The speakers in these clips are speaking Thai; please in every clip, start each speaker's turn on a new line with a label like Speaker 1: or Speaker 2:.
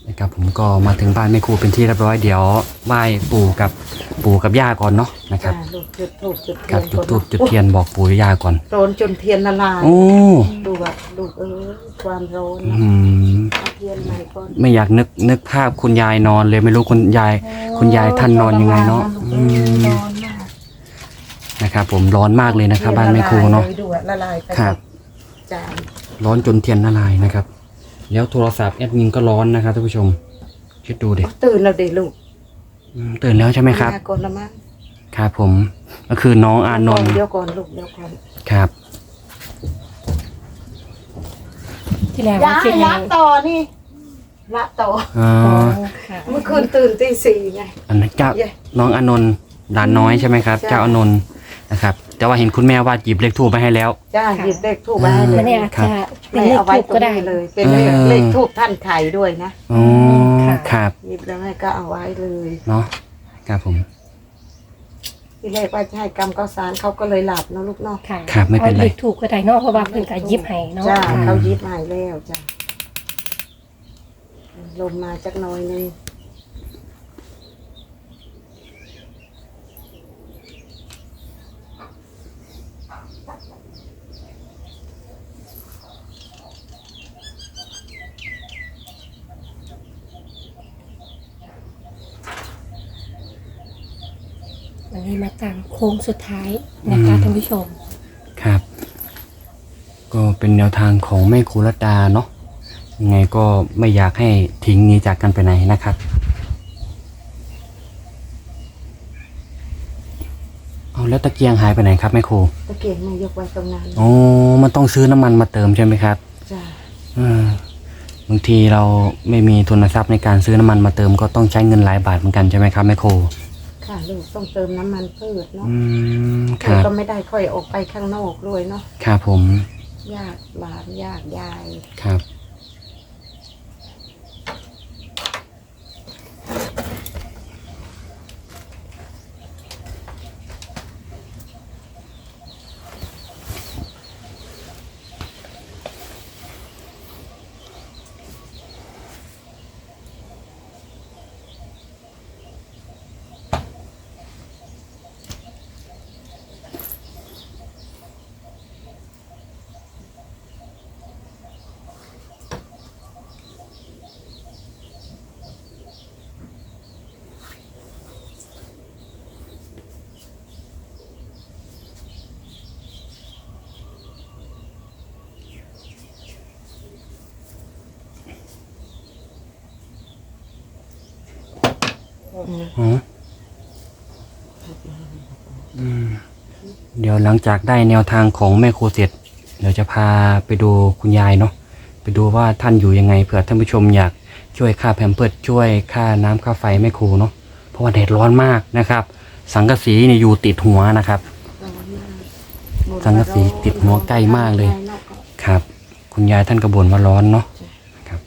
Speaker 1: นะครับผมก็มาถึงบ้านแม่ครูเป็นที่เรียบร้อยเดี๋ยวไหว้ปู่กับย่าก่อนเนาะนะครับ
Speaker 2: ลูกจุดธูปจุดเที
Speaker 1: ครั
Speaker 2: ย
Speaker 1: บ
Speaker 2: น
Speaker 1: จุดธูปจุดเทียนบอกปู่ย่าก่อน
Speaker 2: ร้อนจนเทียนละลาย
Speaker 1: โอ้
Speaker 2: ดูแบบลูกความร้อน
Speaker 1: อืม
Speaker 2: เอาเทียนใหม่ก่อน
Speaker 1: ไม่อยากนึกภาพคุณยายนอนเลยไม่รู้คุณยายท่านนอนยังไงเนาะ
Speaker 2: ร้อนมาก
Speaker 1: นะครับผมร้อนมากเลยนะครับ บ้านแม่ครูเนาะ
Speaker 2: ดูอะละลายไป
Speaker 1: ครับ
Speaker 2: จาน
Speaker 1: ร้อนจนเทียนละลายนะครับ แล้วโทรศัพท์แอดมินก็ร้อนนะครับท่านผู้ชมคิดดูดิ
Speaker 2: ตื่นแล้วเด็กลูก
Speaker 1: ตื่นแล้วใช่ไหมครับ
Speaker 2: มาก่อนละมั้ง
Speaker 1: ครับผมก็คือน้องอานนท์
Speaker 2: เดี๋ยวก่อนลูกเดี๋ยวก่อน
Speaker 1: ครับ
Speaker 3: ที่แรก
Speaker 2: ย้า
Speaker 3: ว่าสิ
Speaker 2: ยละต่อนี่ละต่อ
Speaker 1: อ๋อ
Speaker 3: ค่ะ
Speaker 2: เมื่อคืนตื่นตี 4ไง
Speaker 1: อันนั้นเจ้า
Speaker 2: เย้
Speaker 1: น้องอานนท์หลานน้อยใช่ไหมครับ
Speaker 2: ใช่
Speaker 1: เจ้าอานนท์นะครับแต่ว่าเห็นคุณแม่ว่าหยิบเลขทูบไปให้แล้ว
Speaker 2: จ้าหยิบเลขทูบมาให้เล
Speaker 3: มั
Speaker 2: ย
Speaker 3: นเนี่ยอาจจะเป็น
Speaker 2: ไม่
Speaker 3: เลข
Speaker 2: เอาไว้
Speaker 3: ทูบ
Speaker 2: ตร
Speaker 3: ก็
Speaker 2: ง
Speaker 3: ได้
Speaker 2: นี้เลย เป็นเลข
Speaker 1: เออ
Speaker 2: เลขทูบท่านไข่ด้วยนะ
Speaker 1: อ๋อ
Speaker 3: ค่ะ
Speaker 1: ครับ
Speaker 2: หยิบแล้วแม่ก็เอาไว้เลย
Speaker 1: เนาะครับผม
Speaker 2: ที่แรกว่าจะให้กรรมข้าวสารเขาก็เลยหลับเนาะลูกเนาะ
Speaker 3: ค่ะ
Speaker 1: ครับไม่เป็นไร
Speaker 3: อาเลขถูกก็ได้เนาะเพราะว่าเพิ่นก็หยิบให้เนาะ
Speaker 2: จ้า
Speaker 1: อืม
Speaker 2: เขายิบให้แล้วจ้าลมมาจักหน่อยนึง
Speaker 3: วันนี้มาตั้งโค้งสุดท้ายนะคะท่านผู้ชม
Speaker 1: ครับ ก็เป็นแนวทางของแม่ครูรัตดาเนาะยังไงก็ไม่อยากให้ทิ้งหนี้จากกันไปไหนนะครับเอาแล้วตะเกียงหายไปไหนครับแม่ครู
Speaker 2: ตะเกียงมายกไว้ตรงนั้น
Speaker 1: อ๋อมันต้องซื้อน้ำมันมาเติมใช่ไหมครับ
Speaker 2: จ้า
Speaker 1: บางทีเราไม่มีทุนทรัพย์ในการซื้อน้ำมันมาเติมก็ต้องใช้เงินหลายบาทเหมือนกันใช่ไหมครับแม่ครู
Speaker 2: ค่ะลูกต้องเติมน้ำมันพืชเนาะ
Speaker 1: ครั
Speaker 2: แล้ว
Speaker 1: บ
Speaker 2: ก็ไม่ได้ค่อยออกไปข้างนอกด้วยเนาะ
Speaker 1: ครับผม
Speaker 2: ญาติหลานญาติยาย
Speaker 1: ครับอ๋อเดี๋ยวหลังจากได้แนวทางของแม่ครูเสร็จเดี๋ยวจะพาไปดูคุณยายเนาะไปดูว่าท่านอยู่ยังไงเผื่อท่านผู้ชมอยากช่วยค่าแพมเพิร์สช่วยค่าน้ำค่าไฟแม่ครูเนาะเพราะว่าแดดร้อนมากนะครับ สังกะสีเนี่ยอยู่ติดหัวนะครับ สังกะสีติดหัวใกล้มากเลย ครับ คุณยายท่านกระบ่นว่าร้อนเนาะครับ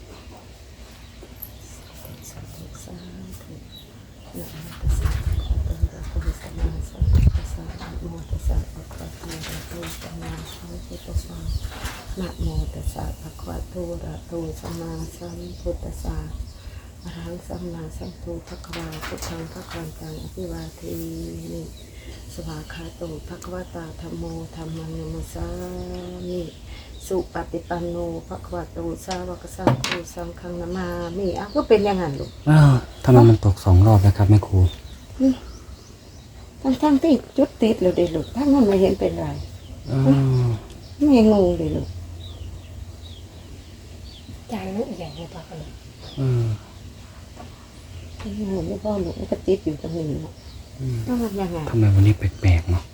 Speaker 2: นะโมตัสสะภะคะวะโตอะระหะโตสัมมาสัมพุทธัสสะอะระหังสัมมาสัมพุทธัสสะพุทธังภะคะวันตังอภิวาเทมิสวากขาโตภะคะวะตาธัมโมธัมมังนัมสสามิสุปฏิปันโนภะคะวะโตสาวกสังโฆสังฆังนามามิอ่ะก็เป็นอย่างนั้นลูก
Speaker 1: ทำไมมันตก2 รอบแล้วครับแม่ครู
Speaker 2: นี่ทั้งที่จุดติดเลยเด็ลูกทั้งนั้นไม่เห็นเป็นไร ไม่งงเลยลูก
Speaker 3: จานนู้นอย่างนี้ต่อกันเลย
Speaker 2: ไม่งงไม่พ่อลูกมันก็ติดอยู่ตรงนี้เนาะต้องทำยังไง
Speaker 1: ทำไมวันนี้แปลกๆเนาะ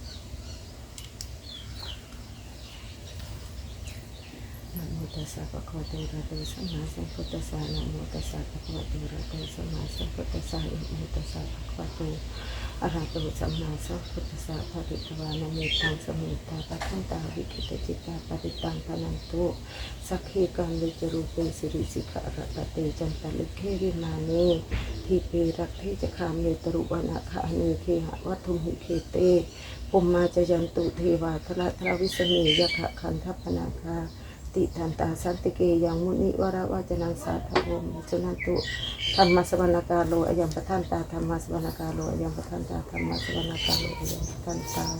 Speaker 2: นะโมตัสสะภะคะวะโตอะระหะโตสัมมาสัมพุทธัสสะนะโมตัสสะภะคะวะโตอะระหะโตสัมมาสัมพุทธัสสะนะโมตัสสะภะคะวะโตอะระหะโตสัมมาสัมพุทธัสสะภะริตวานะเมตังสมิตาปัทันตาวิคิตจิตาปฏิตังพนันตุสักขีกังลิจรูปเปสิริสิกะระตะเตจันตะลิเควิมาเนทีเปรักเทจะคามเนตรุวนาคาเนเคหะวัตถุหิเคเตปุมมาจยันตุเทวาทระทราวิสเนยะขะคันทัพพนาคาเทติทันตาสันติเกยังมุนิวราวาจนังสาธวมสุนันตุธรรมสวรรกาโลอยังปทันตาธรรมสวรรกาโลอยังปทันตาธรรมสวรรกาโลอยังปทันตา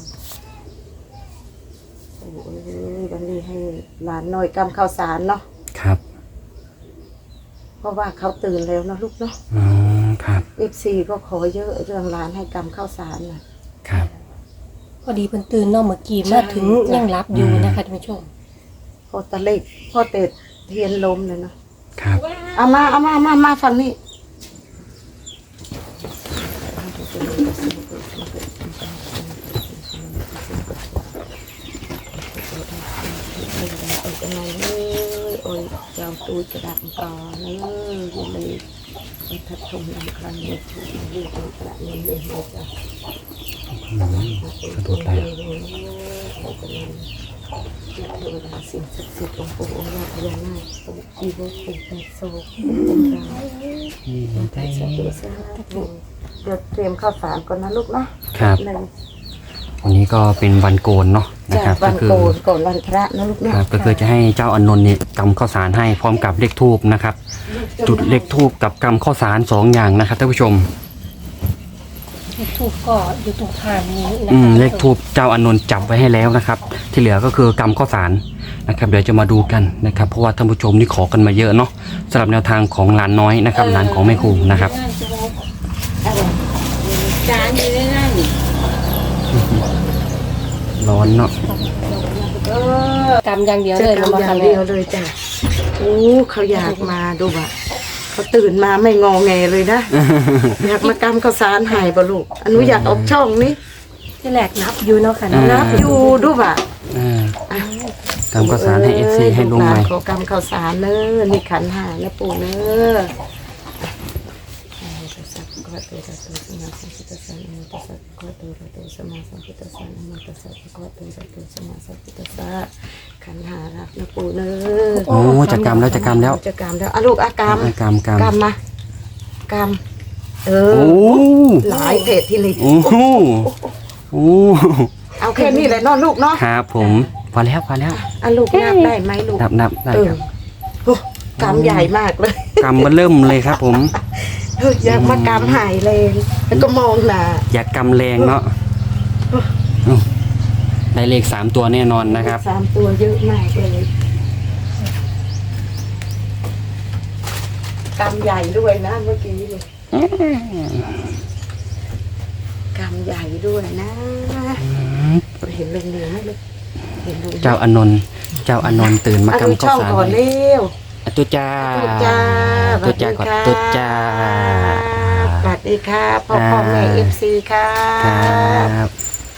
Speaker 2: โอ้ยวันนี้ให้หลานน้อยกำข้าวสารเนาะ
Speaker 1: ครับ
Speaker 2: เพราะว่าเขาตื่นแล้วนะลูกเนาะ
Speaker 1: อ๋อครับ
Speaker 2: FC ก็ขอเยอะเรื่องหลานให้กำข้าวสารน่ะ
Speaker 1: ครับ
Speaker 3: พอดีเพิ่นตื่นเนาะเมื่อกี้มาถึงยังรับอยู่นะคะท่านผู้ชม
Speaker 2: พอตะเล็กพอเตดเทียนลมเลยเนาะ
Speaker 1: ครับ
Speaker 2: เอามาฝั่งนี้โอ้ยยาวตูกระดาษก่อนเลยอยู่เลยทัดทงลำครั้งนี้ถูกเรียกกระดาษนี้เลยจ้ะ
Speaker 1: สะดุดเลย
Speaker 2: เทวดาสิ่งศักดิ์สิทธิ์องค์ปู่องค์ย่าพญานาคองค์ชีวะปู่แปดโศกองค์ดาวสาธุสาธุเดี๋ยวเตรียมข้าวสารก่อนนะลูกเนาะ
Speaker 1: ครับ
Speaker 2: เลย
Speaker 1: วันนี้ก็เป็นวันโกนเนาะนะ
Speaker 2: จาก
Speaker 1: ครับ
Speaker 2: วั
Speaker 1: ก็
Speaker 2: น
Speaker 1: คือ
Speaker 2: โกนก่อนวันพระนะลูก
Speaker 1: ค
Speaker 2: เนาะ
Speaker 1: รับก็คือจะให้เจ้าอานนท์เนี่ยกำข้าวสารให้พร้อมกับเลขทูบนะครับ จุดเลขทูบกับกำข้าวสาร2อย่างนะครับท่านผู้ชม
Speaker 3: เลขทูปก็อยู่ตรงทางนี้นะคะ
Speaker 1: เลขทูบเจ้าอานนท์จับไว้ให้แล้วนะครับ ที่เหลือก็คือกำข้าวสารนะครับ เดี๋ยวจะมาดูกันนะครับ เพราะว่าท่านผู้ชมนี่ขอกันมาเยอะเนาะสำหรับแนวทางของหลานน้อยนะครับหลานของแม่ครูนะครับ
Speaker 2: จานอยู่ในนั่น
Speaker 1: ร้อนเนาะ
Speaker 3: กำอย่างเดียว
Speaker 2: จะ
Speaker 3: เลย
Speaker 2: กำอ
Speaker 3: มา
Speaker 2: ย่า
Speaker 3: ค่ะ
Speaker 2: ง
Speaker 3: แม่
Speaker 2: เดียวเลยจ้ะโอ้เขาอยากมาดูอ่ะเขาตื่นมาไม่งอแงเลยนะ อยากมากำข้าวสารใหายบ่ลูกอนุอยากออกช่องนี้
Speaker 3: ที่แรกนับอยู่เนาะค่ะ
Speaker 2: นับอยู่ดูบ่ะ
Speaker 1: กำข้าวสารให้ FC ให้ลุงใหม่
Speaker 2: ขอกำข้าวสารเนอนี่ขันหานะปู่เนอขันหารักนะปู่เนอ
Speaker 1: โอ้จะกำแล้วจะกำแล้ว
Speaker 2: จะกำแล้วอ่ะลูกอ่ะกำ
Speaker 1: กำ
Speaker 2: กำมากำเออ
Speaker 1: โอ้
Speaker 2: หลายเพจที่ลิ
Speaker 1: โอ้โหโอ้
Speaker 2: เอาแค่นี้แหละเนอนลูกเนาะ
Speaker 1: ครับผมพอแล้ว
Speaker 2: อ่ะลูกนับได้ไหมลูก
Speaker 1: นับได้
Speaker 2: เออ
Speaker 1: ครับ
Speaker 2: โอ้กำใหญ่มากเลย
Speaker 1: กำมันเริ่มเลยครับผม
Speaker 2: เฮ้ยอยากมากำหายเลยแล้วก็มองหน้า
Speaker 1: อย่ากำแรงเนาะได้เลข3 ตัวแน่นอนนะครับ
Speaker 2: 3 ตัวเยอะมากเลยกำใหญ่ด้วยนะเมื่อกี้เลยกำใหญ่ด้วยนะเห็นลงเหนือไหมลูกเห็นลง
Speaker 1: เจ้าอานนท์ตื่นมา
Speaker 2: ดู
Speaker 1: กำข้า
Speaker 2: ช่
Speaker 1: ว
Speaker 2: อง
Speaker 1: สาร
Speaker 2: ก่อนเร็ว
Speaker 1: ตุ๊จ้า
Speaker 2: ตุ๊จ้า
Speaker 1: ตุ๊จ้าก่อนตุ๊จ้า
Speaker 2: สวัสดีค่ะพ่อแม่FC ค่ะ
Speaker 1: ครับ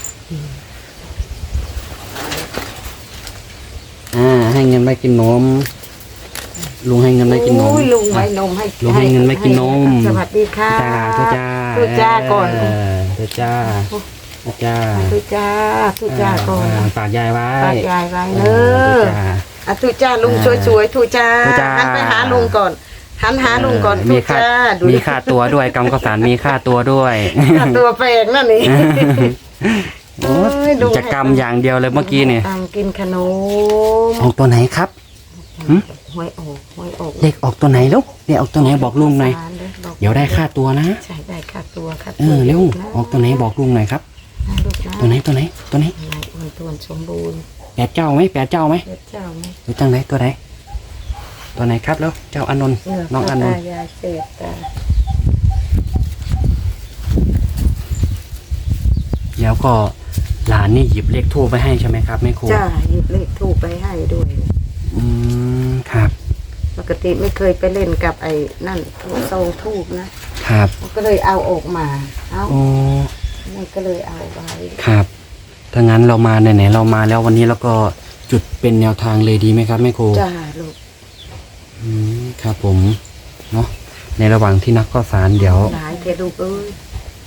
Speaker 1: ให้เงินไปกินนมลุงให้เงินไปกินนม
Speaker 2: โอ้ยลุงไว้นมให้
Speaker 1: ลุงให้เงินไปกินนม
Speaker 2: สวัสดีค่ะ
Speaker 1: ตุ๊จ้า
Speaker 2: ตุ๊จ้าก่อน
Speaker 1: ตุ๊จ้าตุ๊จ้า
Speaker 2: ตุ๊จ้าตุ๊จ้าก่อน
Speaker 1: ฝากยายไว้
Speaker 2: ฝากยายไว้เน
Speaker 1: ตุ๊
Speaker 2: อะ
Speaker 1: จ้า
Speaker 2: อ่ะตุ๊จ้าลุงสวยๆตุ๊จ้า
Speaker 1: ตุ๊จ้า
Speaker 2: หันไปหาลุงก่อนหันหาลุงก่อน
Speaker 1: มี
Speaker 2: ตุ๊
Speaker 1: ค่า
Speaker 2: จ้าดู
Speaker 1: มีค่าตัวด้วยกำข้าวสารมีค่าตัวด้วย
Speaker 2: ค่าตัวแพงนั่นนี่
Speaker 1: โอ้ยจะกำอย่างเดียวเลยเมื่อกี้เนี่ย
Speaker 2: ตังกินขนม
Speaker 1: ออกตัวไหนครับ
Speaker 2: หวยออก
Speaker 1: เลขออกตัวไหนลูกเลขออกตัวไหนบอกลุงหน่อยเดี๋ยวได้ค่าตัวนะ
Speaker 2: ใช่ได้ค่าตัวค่ะ
Speaker 1: เร็วออกตัวไหนบอกลุงหน่อยครับ
Speaker 2: ลูกนะ
Speaker 1: ตัวไหนตัวไหน
Speaker 2: นายอ้วนทวนสมบูรณ์
Speaker 1: แปดเจ้าไหม
Speaker 2: เจ้าไหม
Speaker 1: หรือจังไหนตัวไหนตัวไหนครับแล้วเจ้าอานนท์น้องอานนท์
Speaker 2: ยาเสพตา
Speaker 1: แล้วก็หลานนี่หยิบเลขทูบไปให้ใช่ไหมครับแม่ครู
Speaker 2: จ้าหยิบเลขทูบไปให้ด้วย
Speaker 1: ครับ
Speaker 2: ปกติไม่เคยไปเล่นกับไอ้นั่นโซทูบนะครับ ก็เลยเอาออกมาเอา
Speaker 1: โอ้
Speaker 2: มันก็เลยเอาไว้
Speaker 1: ครับถ้างั้นเรามาไหนๆเรามาแล้ววันนี้เราก็จุดเป็นแนวทางเลยดีไหมครับแม่ครู
Speaker 2: จ้าลูก
Speaker 1: ครับผมเนาะในระหว่างที่นักข้าวสารเดี๋ยว
Speaker 2: หลายแกลูกเอ้ย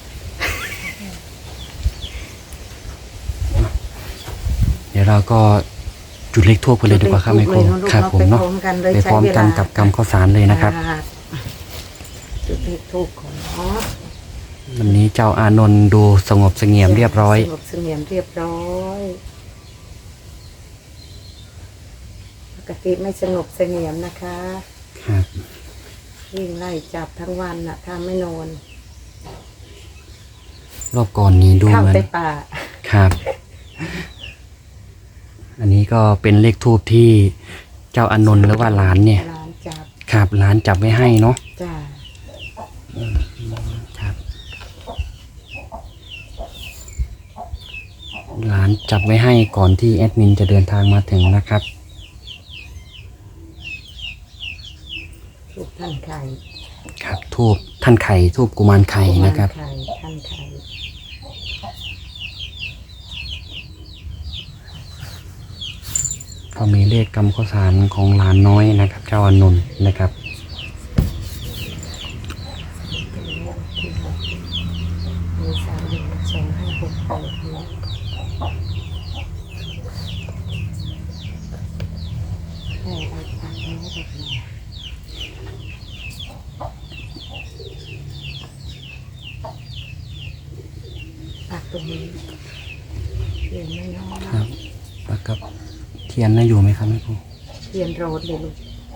Speaker 1: เดี๋ยวเราก็จุดเลขทูบกันเลยดีกว่าครับแม่ครูครับผมเนาะไปพร้อมกันกับกำข้าวสารเลยนะครับ
Speaker 2: จุดเลขทูบของเนาะ
Speaker 1: วันนี้เจ้าอานนท์ดูสงบเสงี่ยมเรียบร้อย
Speaker 2: สงบเสงี่ยมเรียบร้อยปกกติไม่สงบเสงี่ยมนะคะ
Speaker 1: ครับ
Speaker 2: วิ่งไล่จับทั้งวันน่ะถ้าไม่นอน
Speaker 1: รอบก่อนนี้ดู
Speaker 2: เข้า
Speaker 1: เหมือน
Speaker 2: ไปป่า
Speaker 1: ครับ อันนี้ก็เป็นเลขทูบที่เจ้าอานนท์หรือว่าหลานเนี่ย
Speaker 2: ร้านจับ
Speaker 1: ครับหลานจับไว้ให้เนาะ
Speaker 2: จ้า
Speaker 1: ครับหลานจับไว้ให้ก่อนที่แอดมินจะเดินทางมาถึงนะครับ
Speaker 2: ทุกท่านไข่
Speaker 1: ครับทูบท่านไข่ทูบกุมารไข่นะครับ
Speaker 2: ไข่ท่านไข่
Speaker 1: ก็มีเลขกำข้าวสารของหลานน้อยนะครับ เจ้าอานนท์นะครับ
Speaker 2: มี31256เนี่ยให้เอาปากนี้แบบนี้ปากตรงนี้เรียนไม่น้อย
Speaker 1: ครับ แล้วก็เทียนน่าอยู่ไหมครับแม่ครู
Speaker 2: เรียนโรดเลยลูก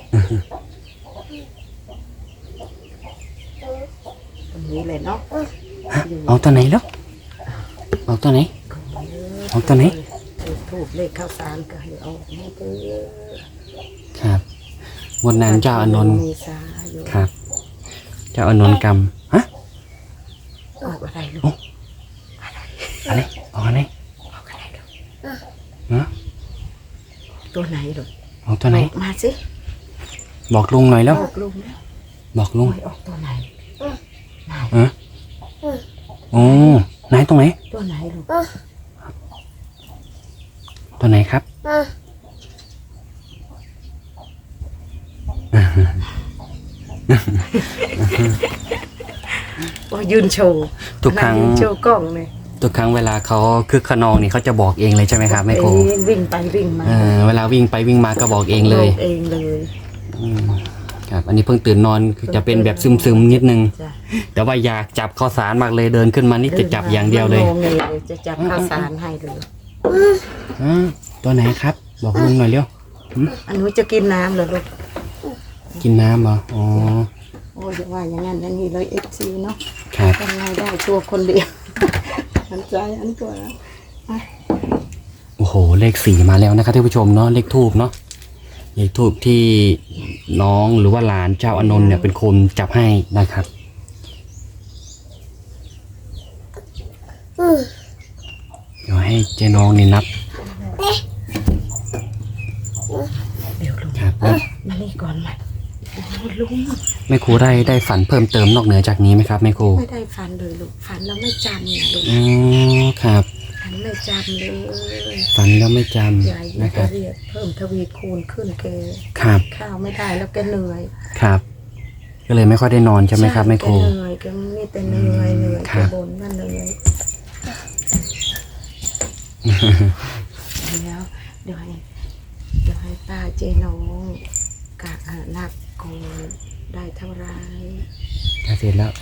Speaker 2: ตรงนี้เลยเนาะ
Speaker 1: เอาตัวไหนแล้วเอาตัวไหน เอาตัวไหน
Speaker 2: ถูกเลขข้าวสารก็ให้เอาให้เถอะ
Speaker 1: ครับงวดนั้นเจ้าอานนท์
Speaker 2: มีสาอยู่
Speaker 1: ครับ เจ้าอานนท์กำฮะ
Speaker 2: ออกอะไรลูก
Speaker 1: อะไรเอาอะไร
Speaker 2: ออกอะไรลูก
Speaker 1: ฮะ
Speaker 2: ตัวไหนลูก
Speaker 1: เอาตัวไหน
Speaker 2: บอกมาสิ
Speaker 1: บอกลุงหน่อยแล้ว
Speaker 2: บอกลุงแล้ว
Speaker 1: บอกลุง
Speaker 2: หวยออกตัวไหนไหน
Speaker 1: ฮะโอ้ไหนตรงไหน
Speaker 2: ตัวไหนลูก
Speaker 1: ตัวไหนครับ
Speaker 2: โอ้ยยืนโชว์
Speaker 1: ทุกครั้ง
Speaker 2: ยืนโชว์กล้องเลย
Speaker 1: ทุกครั้งเวลาเขาคึกขนองนี่เขาจะบอกเองเลยใช่ไหมครับแม่ครู
Speaker 2: เองวิ่งไปวิ่งมา
Speaker 1: เวลาวิ่งไปวิ่งมาก็บอกเองเลย
Speaker 2: บอกเองเลย
Speaker 1: อืมครับ อันนี้เพิ่งตื่นนอนคือจะเป็นแบบซึมๆนิดนึง
Speaker 2: จ้ะ
Speaker 1: แต่ว่าอยากจับข้าวสารมากเลยเดินขึ้นมานี่จะจับอย่างเดียวเลย
Speaker 2: ไม่งงเลยจะจับข้าวสารให้เลย
Speaker 1: ตัวไหนครับ บอกลุงหน่อยเร็ว
Speaker 2: อันนู้นจะกินน้ำเหรอลูก
Speaker 1: กินน้ำเหรออ๋อ
Speaker 2: โอ้ยอย่าว่าอย่างนั้นอย่างนี้เลยFCเนาะ
Speaker 1: ครับ
Speaker 2: ทำไงได้ตัวคนเดียว อันใจอันตัวนะ
Speaker 1: โอ้โห เลข4มาแล้วนะครับท่านผู้ชมเนาะเลขทูบเนาะเลขทูบที่น้องหรือว่าหลานเจ้าอานนท์เนี่ยเป็นคนจับให้นะครับเดี๋ยวให้เจ๊น้องนี่นับ
Speaker 2: เดี๋ยวลุง
Speaker 1: ครับ
Speaker 2: มานี่ก่อนมาโอ้ลุง
Speaker 1: แม่ครูได้ฝันเพิ่มเติมนอกเหนือจากนี้ไหมครับแม่ครู
Speaker 2: ไม่ได้ฝันเลยลูกฝันแล้วไม่จำนะลูก
Speaker 1: อ๋อครับ
Speaker 2: ฝันไม่จำเลย
Speaker 1: ฝันแล้วไม่จ
Speaker 2: ใหญ่
Speaker 1: ำนะค
Speaker 2: จะ
Speaker 1: รับ
Speaker 2: เรียกเพิ่มทวีคูณขึ้นแก
Speaker 1: ครับ
Speaker 2: ข้าวไม่ได้แล้วแกเหนื่อย
Speaker 1: ครับ ก็เลยไม่ค่อยได้นอนใช่ไหมครับแม่ครู
Speaker 2: แกเหนื่อยแกมีแต่เหนื่อยเหนื่อย
Speaker 1: ครั
Speaker 2: แก
Speaker 1: บ
Speaker 2: บ่นว่าเหนื่อยเดี๋ยวให้ป้าเจน้องกะนับก่อนได้เท่าไร
Speaker 1: เสร็จแล้ว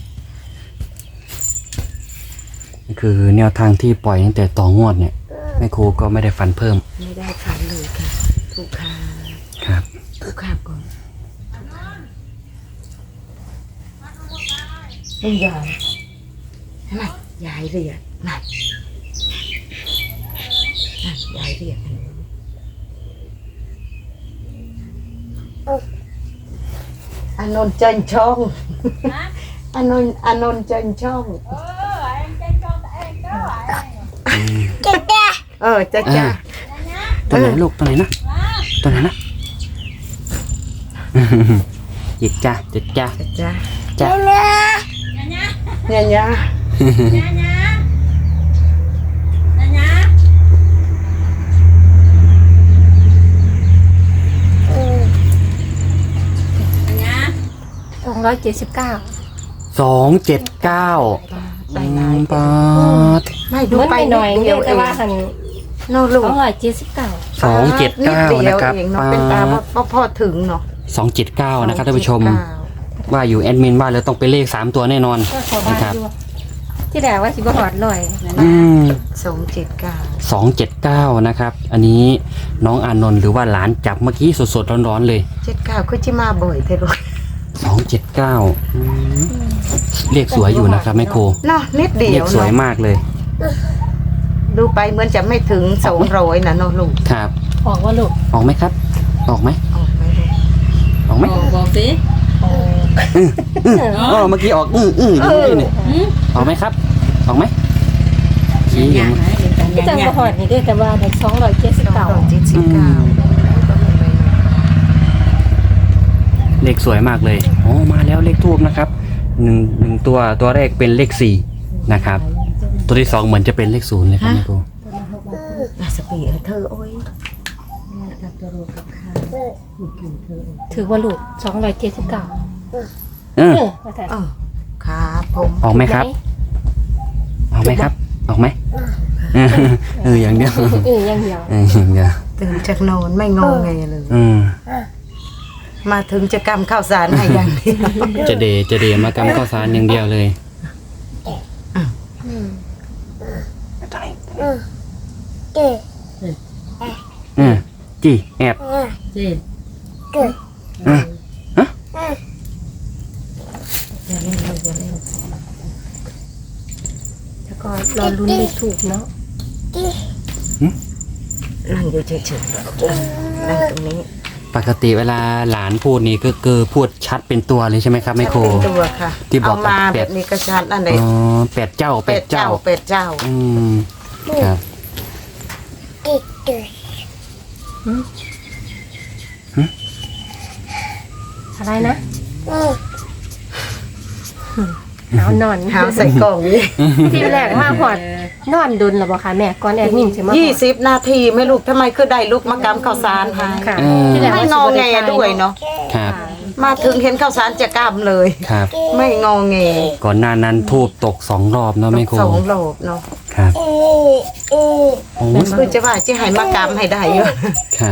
Speaker 1: นี่คือแนวทางที่ปล่อยตั้งแต่ต่องวดเนี่ยแม่ครูก็ไม่ได้ฝันเพิ่ม
Speaker 2: ไม่ได้ฝันเลยค่ะถูกค่ะ
Speaker 1: ครับ
Speaker 2: ถูกค่ะก่อนเป็นยายทำไมยายเรียกนั่นยายเรียกอานนท์จันช่องอานนท์จันช่องจ้าจ้า
Speaker 1: ตัวไหนลูกตัวไหนนะตัวไหนนะหยิกจ้าจิกจ้า
Speaker 2: จ้า
Speaker 1: จ้า
Speaker 2: เนี่ย
Speaker 3: 279
Speaker 1: 279
Speaker 2: ไปไหน
Speaker 1: ปาด
Speaker 2: ไม่ดู
Speaker 3: มัน
Speaker 2: ไป
Speaker 3: ไปหน่อย
Speaker 2: เดี
Speaker 3: เดี
Speaker 2: ย
Speaker 3: ยว ว
Speaker 2: เอ
Speaker 3: แต่
Speaker 2: ง
Speaker 3: ว่าหัน
Speaker 2: โน่ลูก
Speaker 3: 279
Speaker 1: 279นะครับ
Speaker 2: เองเนาะ
Speaker 1: ปา
Speaker 2: เป็นตา
Speaker 1: ด
Speaker 2: ว่าพอถึงเนาะ
Speaker 1: 279นะครับท่านผู้ชม ว่าอยู่แอดมินว่าแล้วต้องเป็นเลข3ตัวแน่นอน
Speaker 3: ก็ขอ
Speaker 1: นะ
Speaker 3: บา
Speaker 1: ครับ
Speaker 3: อยู่ที่แรกว่าสิบ่ฮอดร้อย
Speaker 1: อืม
Speaker 2: 279
Speaker 1: 279นะครับ อันนี้น้องอานนท์หรือว่าหลานจับเมื่อกี้สดๆร้อนๆเลย
Speaker 2: 79คือจิมาบ่อยเท่ลูก
Speaker 1: 279อืมเลขสวยอยู่นะครับแม่ครู
Speaker 2: เนาะนิดเดี
Speaker 1: เล
Speaker 2: ยว
Speaker 1: ขสวย
Speaker 2: เนาะ
Speaker 1: มากเลย
Speaker 2: ดูไปเหมือนจะไม่ถึง200นะเนาะลูก
Speaker 1: ครับ
Speaker 3: ออกว่าลูก
Speaker 1: ออกไหมครับ ออกไหม
Speaker 2: ออกไหมลูก
Speaker 1: ออกไหม
Speaker 4: บอกสิ
Speaker 1: อ๋อเมื่อกี้ออกอยู่เมื่อกี้นี่ออกไหมครับ ออกไหมชี้อยู่
Speaker 4: ยังไง
Speaker 3: ที่จังบ่ฮอดนี่เด้อแต่ว่าได้279
Speaker 1: เลขสวยมากเลยอ๋อมาแล้วเลขทูบนะครับหนึ่งตัวแรกเป็นเลข4นะครับ ตัวที่2เหมือนจะเป็นเลข0เลยครับแม่ครู
Speaker 2: นาสปีเธอโอ้ย
Speaker 3: ถือว่าลูก279
Speaker 1: เออ
Speaker 3: ว่าแต่
Speaker 2: ครับผม
Speaker 1: ออกไหมครับ ออกไหมครับ ออกไหมอย่างเดียว
Speaker 3: ยังเดียว
Speaker 1: อย่างเดียว
Speaker 2: ตื่นจากนอนไม่งงไงเลย มาถึงจะกำข้าวสารให้อย่างนี้
Speaker 1: จะเดมากำข้าวสารอย่างเดียวเลยจีแอบ
Speaker 4: เจ็ด
Speaker 3: แล้วก็รอลุ้นเลขถูกเนาะ
Speaker 2: นั่งอยู่เฉยๆนั่งตรงนี้
Speaker 1: ปกติเวลาหลานพูดนี่ก็คือพูดชัดเป็นตัวเลยใช่ไหมครับแม่ครู
Speaker 2: เป็นตัวค่ะ
Speaker 1: ที่บอก
Speaker 2: เอามา
Speaker 1: เป็
Speaker 2: แบ
Speaker 1: ด
Speaker 2: บนี้กระชันอันไหน
Speaker 1: อ๋อเป็ดเจ้า
Speaker 2: เป็ดเจ้า
Speaker 1: อืมครับ
Speaker 3: อะไรนะเอานอน
Speaker 2: หาใส่กล่องนี่
Speaker 3: ที่แรกมาหอดนอนดุนหรอบ่คะแม่ก่อนแอดมินสิมาหอด
Speaker 2: 20 นาทีไม่ลูกทำไมคือได้ลูกมากำข้าวสารให้
Speaker 3: ค่ะ
Speaker 1: อืม
Speaker 3: ที่แรก
Speaker 2: ไม่
Speaker 3: ว่าง
Speaker 2: อ
Speaker 3: สิบ่
Speaker 2: แง
Speaker 3: ได้
Speaker 2: ด้วยเนาะ
Speaker 1: ครับ
Speaker 2: มาถึงเห็นข้าวสารจะกำเลย
Speaker 1: ครับ
Speaker 2: ไม่งอแง
Speaker 1: ก่อนหน้านั้นทูบตก2 รอบเนาะแม่ครู
Speaker 2: 2 โลบเนาะ
Speaker 1: ครับโอ้ย
Speaker 2: คือจะว่าจะให้มากำให้ได้เยอะ
Speaker 1: ครับ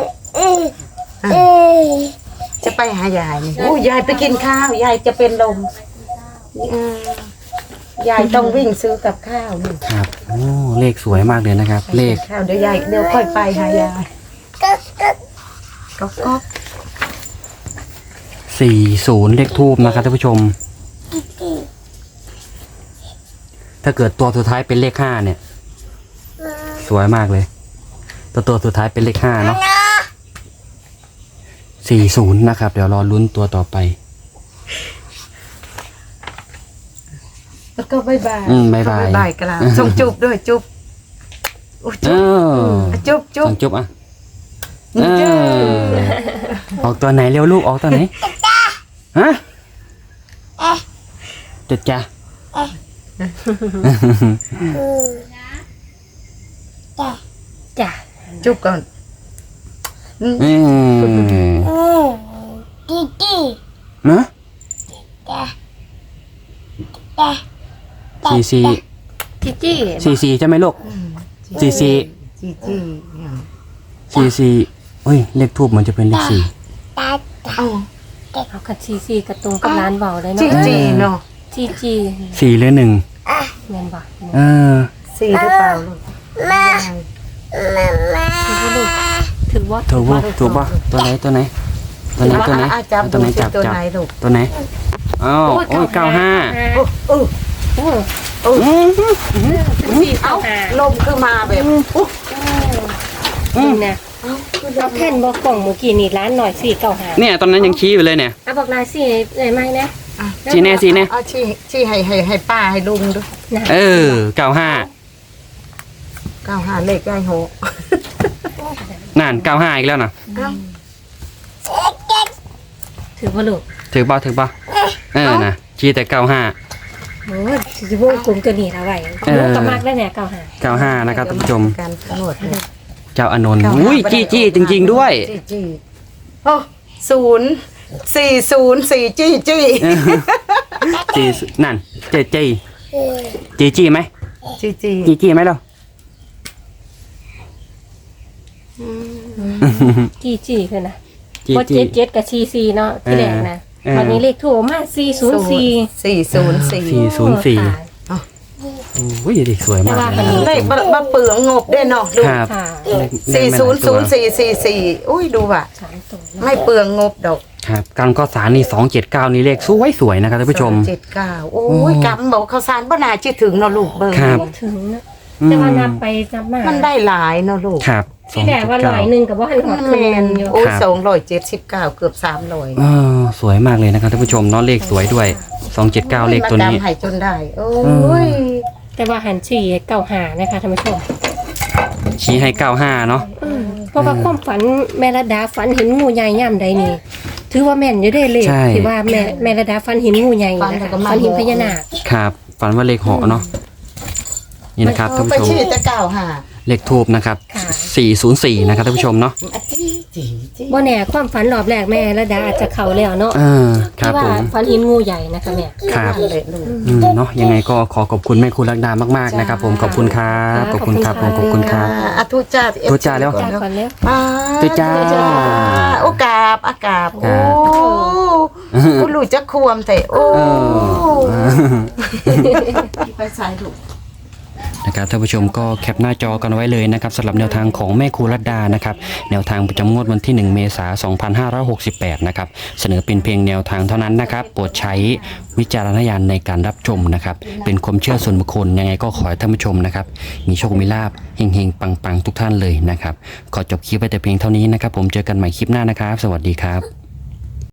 Speaker 2: จะไปหายายนี่โอ้ยายไปกินข้าวยายจะเป็นลมยายต้องวิ่งซื้อกับข้าวนี่
Speaker 1: ครับโอ้เลขสวยมากเลยนะครับ เลข
Speaker 2: ข้าวเดี๋ยวค่อยไปหายายก็
Speaker 1: 40เลขทูบนะครับท่านผู้ชม ถ้าเกิดตัวสุดท้ายเป็นเลข5เนี่ย สวยมากเลย ตัวสุดท้ายเป็นเลข5เนาะ40นะครับ เดี๋ยวรอลุ้นตัวต่อไป
Speaker 2: แล้วก็บายบาย
Speaker 1: บ๊ายบาย
Speaker 2: บายกันละส่งจุบด้วยจุบอุ๊ย
Speaker 1: เอ
Speaker 2: จุบ
Speaker 1: อ
Speaker 2: จุบ
Speaker 1: ส่งจุ๊บอ่ะออกตัวไหนเร็วลูกออกตัวไหนฮะจ้ะ
Speaker 3: จ้ะ
Speaker 2: จุบก่อน
Speaker 1: นะซี
Speaker 3: จิจี้
Speaker 1: ซีใช่ไหมลูกซี
Speaker 2: จี
Speaker 1: ซีเฮ้ยเลขทูบมันจะเป็นเลข4
Speaker 3: เอากับซีกระตรงกับร้านเบาเลย
Speaker 2: จี
Speaker 3: เนาะ
Speaker 2: จีเนาะ
Speaker 3: จี
Speaker 1: 4หรือ1
Speaker 3: แม่นบ่
Speaker 2: สีหรือเปล่าลูก
Speaker 3: ถือว่า
Speaker 1: ถูกป่ะตัวไหนตัวไหน
Speaker 2: จับ
Speaker 1: ตัวไหน
Speaker 2: ดูสิ
Speaker 1: จับ
Speaker 2: ตัวไหนลูก
Speaker 1: ตัวไหนอ้าวโอ้ย95
Speaker 2: โอ้เอาลมคือมาแบบ
Speaker 3: นี่นะเอาแผ่นบอกกล่องเมื่อกี้นี่ร้านหน่อย495
Speaker 1: เนี่ยตอนนั้นยังชี้อยู่เลยเนี่ย
Speaker 3: เอาบอกลาสิเลยไหมนะ
Speaker 1: ชี้แน่
Speaker 2: เอาชี้ให้ป้าให้ลุงดู
Speaker 1: เออ95
Speaker 2: 95เลขได้โห
Speaker 1: นั่น95อีกแล้วนะ
Speaker 3: ถือว่าลูก
Speaker 1: ถึงป่ะนะชี้แต่95
Speaker 3: โอ้ยสิวงกลมตัวนี้ละไว้ลูกก็มากแล้วเนี่ย95
Speaker 1: นะครับท่านผู้ชม
Speaker 2: การตำรวจเลย
Speaker 1: เจ้าอานนท์อุ้ยจี้จริงๆด้วย
Speaker 2: จี้โอ้040จี้
Speaker 1: จีนั่นจี้ไหม จี้ไหมเรา
Speaker 3: จี้คือนะ
Speaker 1: จี้
Speaker 3: พอ77กับ44เนาะที่แรกนะตอนนี้เลขถูกมา404
Speaker 2: 404
Speaker 1: 404 โอ้ยเด็กสวยมากเลยนะ
Speaker 2: เลขมาเปลืองงบได้เนาะดู
Speaker 1: ครับ
Speaker 3: ค่ะ
Speaker 2: 400444อุ้ยดูว่ะ
Speaker 3: 3ตัว
Speaker 2: ไม่เปลืองงบดอก
Speaker 1: ครับการก็สารนี่279นี่เลขสวยๆนะครับท่านผู้ชม
Speaker 2: 279โอ้ยกำบอกข้าวสารบ่น่าจะถึงเนาะลูกเบิ่ง
Speaker 1: ครับ
Speaker 3: ถึงนะแต่ว่านับไปนับมา
Speaker 2: มันได้หลายเนาะลูก
Speaker 1: ครับ
Speaker 3: ที่แรกว่า100นึงกับว่าหันหอด
Speaker 2: แม
Speaker 3: คืน
Speaker 2: น
Speaker 3: อยู่
Speaker 2: โอ้ย
Speaker 1: ครับ
Speaker 2: 279เกือบ300
Speaker 1: เออสวยมากเลยนะครับท่านผู้ชมเนาะเลขสวยด้วย279เลขตัวนี้
Speaker 2: มาดำให้จนได้โอ้ย
Speaker 3: แต่ว่าหันฉี่เก่าหานะคะท่านผู้ชม
Speaker 1: ชี้ให้95เนาะ
Speaker 3: เพราะว่าความฝันแม่ระดาฝันเห็นงูใหญ่ย่ำใดนี่ถือว่าแม่นอยู่ได้เลย
Speaker 1: ใช่
Speaker 3: ที่ว่าแม่ระดาฝันเห็นงูใหญ่นะคะฝันเห็นพญานาค
Speaker 1: ครับฝันว่าเลขเหาะเนาะนี่นะครับท่าน
Speaker 2: ไป
Speaker 1: ผู้ชม
Speaker 2: ชื่อแต่95
Speaker 1: เลขทูบนะครับ
Speaker 3: ค่ะ
Speaker 1: 404นะครับท่านผู้ชมเนาะ
Speaker 2: จี
Speaker 3: บ่แน่ความฝันรอบแรกแม่ระดาอาจจะเข้าแล้วเนาะ
Speaker 1: ครับ
Speaker 3: ที่ว่า
Speaker 1: ผม
Speaker 3: ฝันเห็นงูใหญ่นะคะแม่
Speaker 1: ครับ
Speaker 2: เลยลูก
Speaker 1: เนาะยังไงก็ขอขอบคุณแม่ครูรักดามากๆนะครับผมขอบคุณครับขอบคุณครับผมขอบคุณครับ
Speaker 2: อ่ะทุจ้า
Speaker 1: ทุจ้าแล้ว
Speaker 3: จ้าก่อนแล้ว
Speaker 1: ทุจ้า
Speaker 2: โอกาบอากาบ
Speaker 1: ครั
Speaker 2: โอ้
Speaker 1: บ
Speaker 2: คุณลูกจะควมแต่โอ้
Speaker 1: เออ
Speaker 2: ไปใส่ลูก
Speaker 1: นะครับท่านผู้ชมก็แคปหน้าจอกันไว้เลยนะครับสำหรับแนวทางของแม่ครูรัตดานะครับแนวทางประจำงวดวันที่ 1 เมษายน 2568 นะครับเสนอเป็นเพียงแนวทางเท่านั้นนะครับโปรดใช้วิจารณญาณในการรับชมนะครับเป็นความเชื่อส่วนบุคคลยังไงก็ขอให้ท่านผู้ชมนะครับมีโชคมีลาภเฮงๆปังๆทุกท่านเลยนะครับขอจบคลิปไว้แต่เพียงเท่านี้นะครับผมเจอกันใหม่คลิปหน้านะครับ สวัสดีครับ